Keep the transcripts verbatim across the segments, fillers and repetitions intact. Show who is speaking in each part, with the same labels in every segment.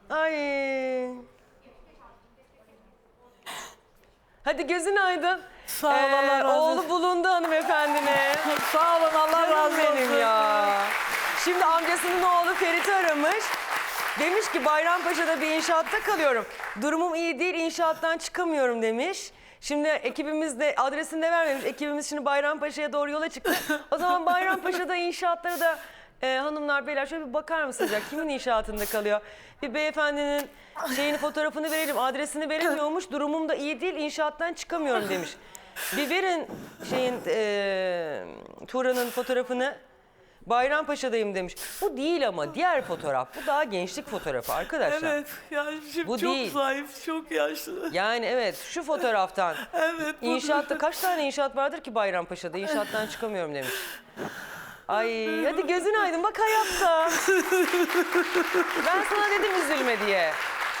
Speaker 1: Ay. Hadi gözün aydın.
Speaker 2: Sağ ol, Allah razı olsun.
Speaker 1: Oğlu bulundu hanımefendine.
Speaker 2: Sağ olun, Allah razı olsun.
Speaker 1: Benim ya. Şimdi amcasının oğlu Ferit'i aramış. Demiş ki Bayrampaşa'da bir inşaatta kalıyorum. Durumum iyi değil, inşaattan çıkamıyorum demiş. Şimdi ekibimiz de adresini de vermemiş. Ekibimiz şimdi Bayrampaşa'ya doğru yola çıktı. O zaman Bayrampaşa'da inşaatlara da e, hanımlar beyler şöyle bir bakar mısınız ya? Kimin inşaatında kalıyor? Bir beyefendinin şeyini fotoğrafını verelim. Adresini veremiyormuş. Durumum da iyi değil, inşaattan çıkamıyorum demiş. Bir verin şeyin e, Turan'ın fotoğrafını. Bayrampaşa'dayım demiş. Bu değil ama diğer fotoğraf. Bu daha gençlik fotoğrafı arkadaşlar.
Speaker 2: Evet, yani şimdi
Speaker 1: Bu
Speaker 2: çok
Speaker 1: değil.
Speaker 2: zayıf, çok yaşlı.
Speaker 1: Yani evet şu fotoğraftan.
Speaker 2: Evet. bu-
Speaker 1: İnşaatta kaç tane inşaat vardır ki Bayrampaşa'da? İnşaattan çıkamıyorum demiş. Ay hadi gözün aydın bak hayatta. Ben sana dedim üzülme diye.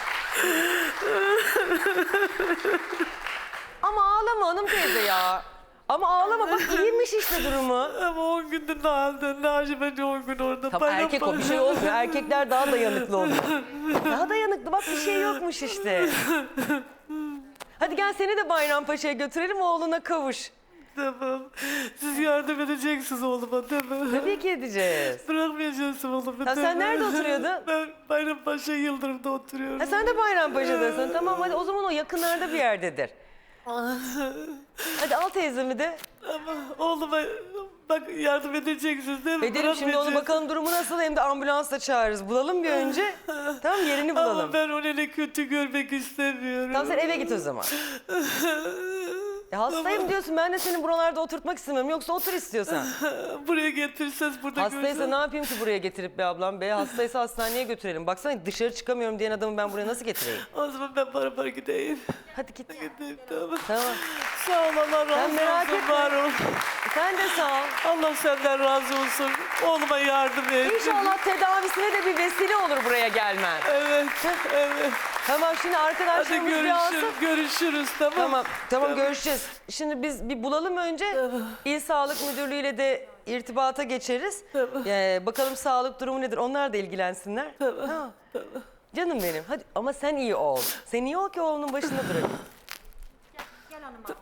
Speaker 1: Ama ağlama hanım teyze ya. Ama ağlama bak iyiymiş işte durumu.
Speaker 2: Ama on gündür ne halde, ne acı bence on gün orada.
Speaker 1: Tabii erkek o bir şey olmuyor. Erkekler daha dayanıklı oluyor. Daha dayanıklı bak bir şey yokmuş işte. Hadi gel seni de Bayrampaşa'ya götürelim oğluna kavuş.
Speaker 2: Tamam. Siz yardım edeceksiniz oğluma değil mi?
Speaker 1: Tabii ki edeceğiz.
Speaker 2: Bırakmayacaksın oğlumu
Speaker 1: Ha,
Speaker 2: değil
Speaker 1: sen
Speaker 2: mi?
Speaker 1: nerede oturuyordun?
Speaker 2: Ben Bayrampaşa Yıldırım'da oturuyorum.
Speaker 1: Ha, sen de Bayrampaşa'dasın. Tamam hadi o zaman o yakınlarda bir yerdedir. Hadi al teyzemi de.
Speaker 2: Ama oğluma bak yardım edeceksiniz değil mi?
Speaker 1: Edelim şimdi onu
Speaker 2: Bırakmayacaksın.
Speaker 1: bakalım durumu nasıl hem de ambulansla çağırırız. Bulalım bir önce. Tamam yerini bulalım.
Speaker 2: Ama ben onu öyle kötü görmek istemiyorum.
Speaker 1: Tamam sen eve git o zaman. Ya hastayım diyorsun ben de seni buralarda oturtmak istemiyorum. Yoksa otur istiyorsan.
Speaker 2: Buraya getirseniz burada
Speaker 1: Hastaysa
Speaker 2: görsen-
Speaker 1: ne yapayım ki buraya getirip be ablam be? Hastaysa hastaneye götürelim. Baksana dışarı çıkamıyorum diyen adamı ben buraya nasıl getireyim?
Speaker 2: O zaman ben beraber gideyim.
Speaker 1: Hadi git.
Speaker 2: Gideyim tamam.
Speaker 1: Tamam.
Speaker 2: Sağ ol Allah razı
Speaker 1: merak
Speaker 2: olsun
Speaker 1: etme.
Speaker 2: var ol.
Speaker 1: Sen de sağ ol.
Speaker 2: Allah senden razı olsun. Oğluma yardım et.
Speaker 1: İnşallah tedavisine de bir vesile olur buraya gelmen.
Speaker 2: Evet, evet.
Speaker 1: Tamam şimdi
Speaker 2: Hadi
Speaker 1: arkadaşlarımız bir alsın.
Speaker 2: görüşürüz, görüşürüz tamam.
Speaker 1: Tamam, tamam görüşeceğiz. Şimdi biz bir bulalım önce. İl Sağlık Müdürlüğü ile de irtibata geçeriz.
Speaker 2: Tamam.
Speaker 1: Ee, bakalım sağlık durumu nedir? Onlar da ilgilensinler.
Speaker 2: Tamam,
Speaker 1: Ha.
Speaker 2: tamam.
Speaker 1: Canım benim. Hadi ama sen iyi ol. Sen iyi ol ki oğlunun başında durayım.
Speaker 3: Gel hanım abi.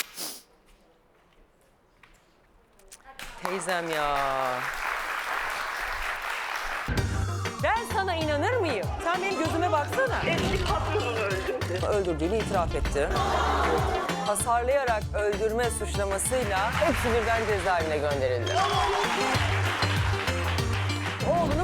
Speaker 1: Teyzem ya. Ben sana inanır mıyım? Sen benim gözüme baksana.
Speaker 4: Eski patronunu öldürdü.
Speaker 1: Öldürdüğünü itiraf etti. Hasarlayarak öldürme suçlamasıyla hepsi birden cezaevine gönderildi. Oğlunu